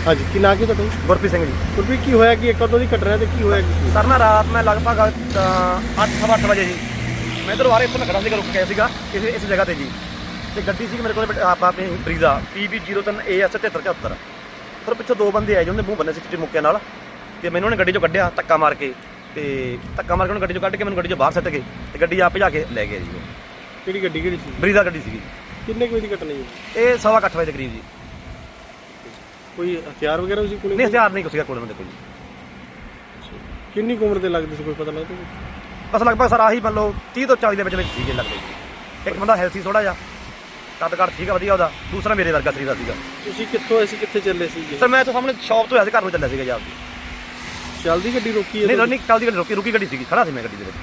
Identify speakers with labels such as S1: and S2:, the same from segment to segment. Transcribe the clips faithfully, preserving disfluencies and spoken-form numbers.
S1: हाँ जी, की ना की ਤੁਹਾਡਾ
S2: ਗੁਰਪ੍ਰੀਤ ਸਿੰਘ ਜੀ।
S1: ਗੁਰਪ੍ਰੀਤ ਕੀ ਹੋਇਆ ਕਿ ਕਦੋਂ ਦੀ ਘਟਨਾ ਤੇ ਕੀ ਹੋਇਆ ਕੀ
S2: ਸਰ ਨਾ ਰਾਤ ਮੈਂ ਲਗਭਗ ਅੱਠ ਸਵਾ ਅੱਠ ਵਜੇ ਜੀ ਮੈਂ ਇੱਧਰੋਂ ਆ ਰਿਹਾ, ਇੱਥੋਂ ਮੈਂ ਖੜਾ ਸੀਗਾ, ਰੁਕ ਗਿਆ ਸੀਗਾ ਕਿਸੇ ਇਸ ਜਗ੍ਹਾ ਤੇ ਜੀ, ਤੇ ਗੱਡੀ ਸੀ ਮੇਰੇ ਕੋਲ ਆਪਾਂ ਆਪਣੀ ਬਰੀਜ਼ਾ ਪੀ ਬੀ ਜ਼ੀਰੋ ਤਿੰਨ ਏ ਐਸ ਤਿਹੱਤਰ ਚੁਹੱਤਰ। ਫਿਰ ਪਿੱਛੋਂ ਦੋ ਬੰਦੇ ਆਏ ਜੀ, ਉਹਨੇ ਮੂੰਹ ਬੰਨੇ ਸੀ ਚਿੱਟੇ ਮੁੱਕਿਆਂ ਨਾਲ, ਤੇ ਮੈਨੂੰ ਉਹਨੇ ਗੱਡੀ 'ਚੋਂ ਕੱਢਿਆ ਧੱਕਾ ਮਾਰ ਕੇ, ਤੇ ਧੱਕਾ ਮਾਰ ਕੇ ਉਹਨੂੰ ਗੱਡੀ 'ਚੋਂ ਕੱਢ ਕੇ ਮੈਨੂੰ ਗੱਡੀ 'ਚੋਂ ਬਾਹਰ ਸੱਟ ਗਏ, ਤੇ ਗੱਡੀ ਆਪ ਭਜਾ ਕੇ ਲੈ ਗਏ ਜੀ। ਉਹ
S1: ਕਿਹੜੀ ਗੱਡੀ ਕਿਹੜੀ ਸੀ?
S2: ਬਰੀਜ਼ਾ ਗੱਡੀ ਸੀਗੀ।
S1: ਕਿੰਨੇ ਕੁ ਵਜੇ ਦੀ ਘਟਨਾ ਜੀ?
S2: ਇਹ ਸਵਾ ਕੁ ਅੱਠ ਵਜੇ ਦੇ ਕਰੀਬ ਜੀ।
S1: ਕੋਈ ਹਥਿਆਰ ਵਗੈਰਾ ਸੀ ਕੋਲ?
S2: ਨਹੀਂ, ਹਥਿਆਰ ਨਹੀਂ ਕੁਛ ਸੀਗਾ ਕੋਲ ਉਹਨਾਂ ਦੇ ਕੋਈ ਜੀ।
S1: ਕਿੰਨੀ ਕੁ ਉਮਰ ਦੇ ਲੱਗਦੇ ਸੀ, ਕੋਈ ਪਤਾ ਲੱਗਦਾ?
S2: ਬਸ ਲਗਭਗ ਸਰ ਆਹੀ ਮੰਨ ਲਓ ਤੀਹ ਤੋਂ ਚਾਲੀ ਦੇ ਵਿੱਚ ਵਿੱਚ ਸੀਗੇ ਲੱਗਦੇ ਜੀ। ਇੱਕ ਬੰਦਾ ਹੈਲਥੀ ਥੋੜਾ ਜਿਹਾ, ਕੱਦ ਕੱਦ ਠੀਕ ਆ ਵਧੀਆ ਉਹਦਾ, ਦੂਸਰਾ ਮੇਰੇ ਵਰਗਾ ਸਰੀਰ ਦਾ ਸੀਗਾ।
S1: ਤੁਸੀਂ ਕਿੱਥੋਂ ਆਏ ਸੀ, ਕਿੱਥੇ ਚੱਲੇ ਸੀ ਜੀ?
S2: ਸਰ ਮੈਂ ਤਾਂ ਸਾਹਮਣੇ ਸ਼ਾਪ ਤੋਂ ਆਇਆ ਸੀ, ਘਰ ਨੂੰ ਚੱਲਿਆ ਸੀਗਾ ਜੀ ਆਪਦੀ।
S1: ਚੱਲਦੀ ਗੱਡੀ ਰੋਕੀ ਹੈ?
S2: ਨਹੀਂ ਨਹੀਂ, ਚੱਲਦੀ ਗੱਡੀ ਰੁਕੀ ਰੁਕੀ ਗੱਡੀ ਸੀਗੀ, ਖੜਾ ਸੀ ਮੈਂ ਗੱਡੀ ਦੇ ਵਿੱਚ।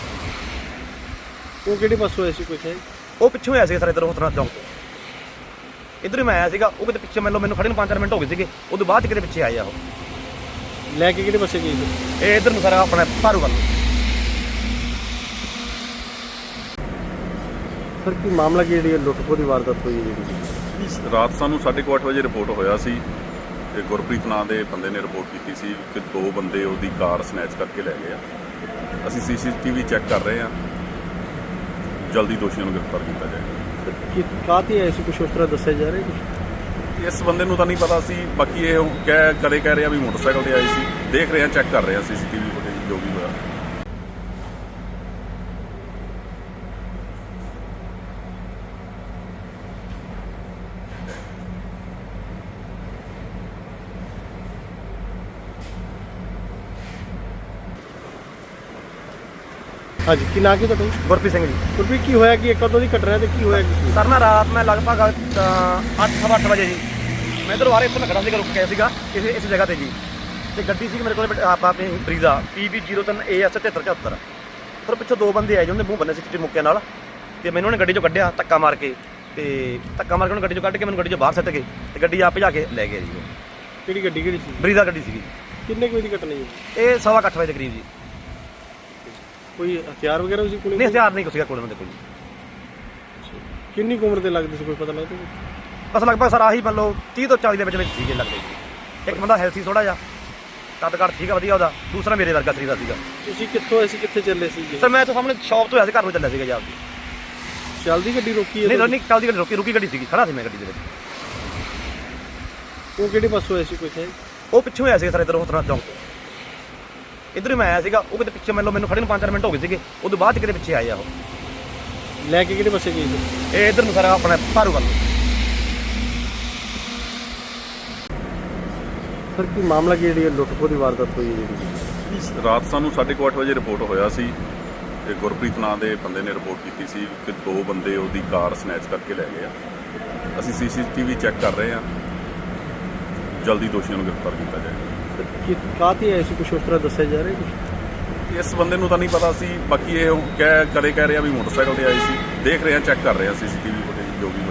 S1: ਉਹ ਕਿਹੜੇ ਪਾਸੋਂ ਆਏ ਸੀ ਕੋਈ ਹੈ?
S2: ਉਹ ਪਿੱਛੋਂ ਆਇਆ ਸੀਗਾ ਸਰ, ਇੱਧਰ ਹੋਤਨਾ ਚੌਂਕ ਤੋਂ ਇੱਧਰ ਹੀ ਮੈਂ ਆਇਆ ਸੀਗਾ। ਉਹ ਕਿਤੇ ਪਿੱਛੇ ਮੰਨ ਲਓ ਮੈਨੂੰ ਖੜੇ ਨੂੰ ਪੰਜ ਚਾਰ ਮਿੰਟ ਹੋ ਗਏ ਸੀਗੇ, ਉਹਦੇ ਬਾਅਦ 'ਚ ਕਿਤੇ ਪਿੱਛੇ ਆਏ ਆ ਉਹ।
S1: ਲੈ ਕੇ ਕਿਹੜੇ ਪਾਸੇ ਗਏ ਸੀ?
S2: ਇਹ ਇੱਧਰ ਨੂੰ ਸਾਰਾ ਆਪਣਾ ਭਾਰੂ ਵੱਲ।
S1: ਸਰ ਕੀ ਮਾਮਲਾ ਕੀ ਜਿਹੜੀ ਲੁੱਟ-ਖੋਹ ਦੀ ਵਾਰਦਾਤ ਹੋਈ ਹੈ ਜਿਹੜੀ?
S3: ਰਾਤ ਸਾਨੂੰ ਸਾਢੇ ਕੁ ਅੱਠ ਵਜੇ ਰਿਪੋਰਟ ਹੋਇਆ ਸੀ ਤੇ ਗੁਰਪ੍ਰੀਤ ਨਾਂ ਦੇ ਬੰਦੇ ਨੇ ਰਿਪੋਰਟ ਕੀਤੀ ਸੀ ਕਿ ਦੋ ਬੰਦੇ ਉਹਦੀ ਕਾਰ ਸਨੈਚ ਕਰਕੇ ਲੈ ਗਏ ਆ। ਅਸੀਂ ਸੀ ਸੀ ਟੀ ਵੀ ਚੈੱਕ ਕਰ ਰਹੇ ਹਾਂ, ਜਲਦੀ ਦੋਸ਼ੀਆਂ ਨੂੰ ਗ੍ਰਿਫਤਾਰ ਕੀਤਾ ਜਾਏਗਾ।
S1: ਕਿ ਕਾਹਤੇ ਆਏ ਸੀ, ਕੁਛ ਉਸ ਤਰ੍ਹਾਂ ਦੱਸਿਆ ਜਾ ਰਿਹਾ ਕੁਛ?
S3: ਇਸ ਬੰਦੇ ਨੂੰ ਤਾਂ ਨਹੀਂ ਪਤਾ ਸੀ, ਬਾਕੀ ਇਹ ਕਹਿ ਕਦੇ ਕਹਿ ਰਿਹਾ ਵੀ ਮੋਟਰਸਾਈਕਲ ਤੇ ਆਈ ਸੀ। ਦੇਖ ਰਹੇ ਹਾਂ, ਚੈੱਕ ਕਰ ਰਹੇ ਹਾਂ ਸੀ ਸੀ ਟੀ ਵੀ ਫੁਟੇਜ ਜੋ ਵੀ ਹੋਇਆ।
S1: हाँ जी, की ना की ਤੁਹਾਡਾ?
S2: ਗੁਰਪ੍ਰੀਤ ਸਿੰਘ ਜੀ।
S1: ਗੁਰਪ੍ਰੀਤ ਕੀ ਹੋਇਆ ਕਿ ਕਦੋਂ ਦੀ ਘਟਨਾ ਤੇ ਕੀ ਹੋਇਆ ਕੀ?
S2: ਸਰ ਨਾ ਰਾਤ ਮੈਂ ਲਗਭਗ ਅੱਠ ਸਵਾ ਅੱਠ ਵਜੇ ਜੀ ਮੈਂ ਇੱਧਰੋਂ ਆ ਰਿਹਾ, ਇੱਥੋਂ ਮੈਂ ਖੜਾ ਸੀਗਾ, ਰੁਕ ਗਿਆ ਸੀਗਾ ਕਿਸੇ ਇਸ ਜਗ੍ਹਾ ਤੇ ਜੀ, ਤੇ ਗੱਡੀ ਸੀ ਮੇਰੇ ਕੋਲ ਆਪਾਂ ਆਪਣੀ ਬਰੀਜ਼ਾ ਪੀ ਬੀ ਜ਼ੀਰੋ ਤਿੰਨ ਏ ਐਸ ਤਿਹੱਤਰ ਚੁਹੱਤਰ। ਫਿਰ ਪਿੱਛੋਂ ਦੋ ਬੰਦੇ ਆਏ ਜੀ, ਉਹਨੇ ਮੂੰਹ ਬੰਨੇ ਸੀ ਚਿੱਟੇ ਮੁੱਕਿਆਂ ਨਾਲ, ਤੇ ਮੈਨੂੰ ਉਹਨੇ ਗੱਡੀ 'ਚੋਂ ਕੱਢਿਆ ਧੱਕਾ ਮਾਰ ਕੇ, ਤੇ ਧੱਕਾ ਮਾਰ ਕੇ ਉਹਨੂੰ ਗੱਡੀ 'ਚੋਂ ਕੱਢ ਕੇ ਮੈਨੂੰ ਗੱਡੀ 'ਚੋਂ ਬਾਹਰ ਸੱਟ ਗਏ, ਤੇ ਗੱਡੀ ਆਪ ਭਜਾ ਕੇ ਲੈ ਗਏ ਜੀ। ਉਹ
S1: ਕਿਹੜੀ ਗੱਡੀ ਕਿਹੜੀ ਸੀ?
S2: ਬਰੀਜ਼ਾ ਗੱਡੀ ਸੀਗੀ।
S1: ਕਿੰਨੇ ਕੁ ਵਜੇ ਦੀ ਘਟਨਾ ਜੀ?
S2: ਇਹ ਸਵਾ ਕੁ ਅੱਠ ਵਜੇ ਦੇ ਕਰੀਬ ਜੀ।
S1: ਕੋਈ ਹਥਿਆਰ ਵਗੈਰਾ ਸੀ ਕੋਲ?
S2: ਨਹੀਂ, ਹਥਿਆਰ ਨਹੀਂ ਕੁਛ ਸੀਗਾ ਕੋਲ ਉਹਨਾਂ ਦੇ ਕੋਈ ਜੀ।
S1: ਕਿੰਨੀ ਕੁ ਉਮਰ ਦੇ ਲੱਗਦੇ ਸੀ, ਕੋਈ ਪਤਾ ਲੱਗਦਾ?
S2: ਬਸ ਲਗਭਗ ਸਰ ਆਹੀ ਮੰਨ ਲਓ ਤੀਹ ਤੋਂ ਚਾਲੀ ਦੇ ਵਿੱਚ ਵਿੱਚ ਸੀਗੇ ਲੱਗਦੇ ਜੀ। ਇੱਕ ਬੰਦਾ ਹੈਲਥੀ ਥੋੜਾ ਜਿਹਾ, ਕੱਦ ਕੱਦ ਠੀਕ ਆ ਵਧੀਆ ਉਹਦਾ, ਦੂਸਰਾ ਮੇਰੇ ਵਰਗਾ ਸਰੀਰ ਦਾ ਸੀਗਾ।
S1: ਤੁਸੀਂ ਕਿੱਥੋਂ ਆਏ ਸੀ, ਕਿੱਥੇ ਚੱਲੇ ਸੀ ਜੀ?
S2: ਸਰ ਮੈਂ ਤਾਂ ਸਾਹਮਣੇ ਸ਼ਾਪ ਤੋਂ ਆਇਆ ਸੀ, ਘਰ ਨੂੰ ਚੱਲਿਆ ਸੀਗਾ ਜੀ ਆਪਦੀ।
S1: ਚੱਲਦੀ ਗੱਡੀ ਰੋਕੀ ਹੈ?
S2: ਨਹੀਂ ਨਹੀਂ, ਚੱਲਦੀ ਗੱਡੀ ਰੁਕੀ ਰੁਕੀ ਗੱਡੀ ਸੀਗੀ, ਖੜਾ ਸੀ ਮੈਂ ਗੱਡੀ ਦੇ ਵਿੱਚ।
S1: ਉਹ ਕਿਹੜੇ ਪਾਸੋਂ ਆਏ ਸੀ ਕੋਈ ਹੈ?
S2: ਉਹ ਪਿੱਛੋਂ ਆਇਆ ਸੀਗਾ ਸਰ, ਇੱਧਰ ਹੋਤਨਾ ਚੌਂਕ ਤੋਂ ਇੱਧਰ ਹੀ ਮੈਂ ਆਇਆ ਸੀਗਾ। ਉਹ ਕਿਤੇ ਪਿੱਛੇ ਮੰਨ ਲਓ ਮੈਨੂੰ ਖੜੇ ਨੂੰ ਪੰਜ ਚਾਰ ਮਿੰਟ ਹੋ ਗਏ ਸੀਗੇ, ਉਹਦੇ ਬਾਅਦ 'ਚ ਕਿਤੇ ਪਿੱਛੇ ਆਏ ਆ ਉਹ।
S1: ਲੈ ਕੇ ਕਿਹੜੇ ਪਾਸੇ ਗਏ ਸੀ?
S2: ਇਹ ਇੱਧਰ ਨੂੰ ਸਾਰਾ ਆਪਣਾ ਭਾਰੂ ਵੱਲ।
S1: ਸਰ ਕੀ ਮਾਮਲਾ ਕੀ ਜਿਹੜੀ ਲੁੱਟ-ਖੋਹ ਦੀ ਵਾਰਦਾਤ ਹੋਈ ਹੈ ਜਿਹੜੀ?
S3: ਰਾਤ ਸਾਨੂੰ ਸਾਢੇ ਕੁ ਅੱਠ ਵਜੇ ਰਿਪੋਰਟ ਹੋਇਆ ਸੀ ਤੇ ਗੁਰਪ੍ਰੀਤ ਨਾਂ ਦੇ ਬੰਦੇ ਨੇ ਰਿਪੋਰਟ ਕੀਤੀ ਸੀ ਕਿ ਦੋ ਬੰਦੇ ਉਹਦੀ ਕਾਰ ਸਨੈਚ ਕਰਕੇ ਲੈ ਗਏ ਆ। ਅਸੀਂ ਸੀ ਸੀ ਟੀ ਵੀ ਚੈੱਕ ਕਰ ਰਹੇ ਹਾਂ, ਜਲਦੀ ਦੋਸ਼ੀਆਂ ਨੂੰ ਗ੍ਰਿਫਤਾਰ ਕੀਤਾ ਜਾਏਗਾ।
S1: ਕਿ ਕਾਹਤੇ ਆਏ ਸੀ, ਕੁਛ ਉਸ ਤਰ੍ਹਾਂ ਦੱਸਿਆ ਜਾ ਰਿਹਾ ਕੁਛ?
S3: ਇਸ ਬੰਦੇ ਨੂੰ ਤਾਂ ਨਹੀਂ ਪਤਾ ਸੀ, ਬਾਕੀ ਇਹ ਕਹਿ ਕਦੇ ਕਹਿ ਰਿਹਾ ਵੀ ਮੋਟਰਸਾਈਕਲ ਤੇ ਆਈ ਸੀ। ਦੇਖ ਰਹੇ ਹਾਂ, ਚੈੱਕ ਕਰ ਰਹੇ ਹਾਂ ਸੀ ਸੀ ਟੀ ਵੀ ਫੁਟੇਜ ਜੋ ਵੀ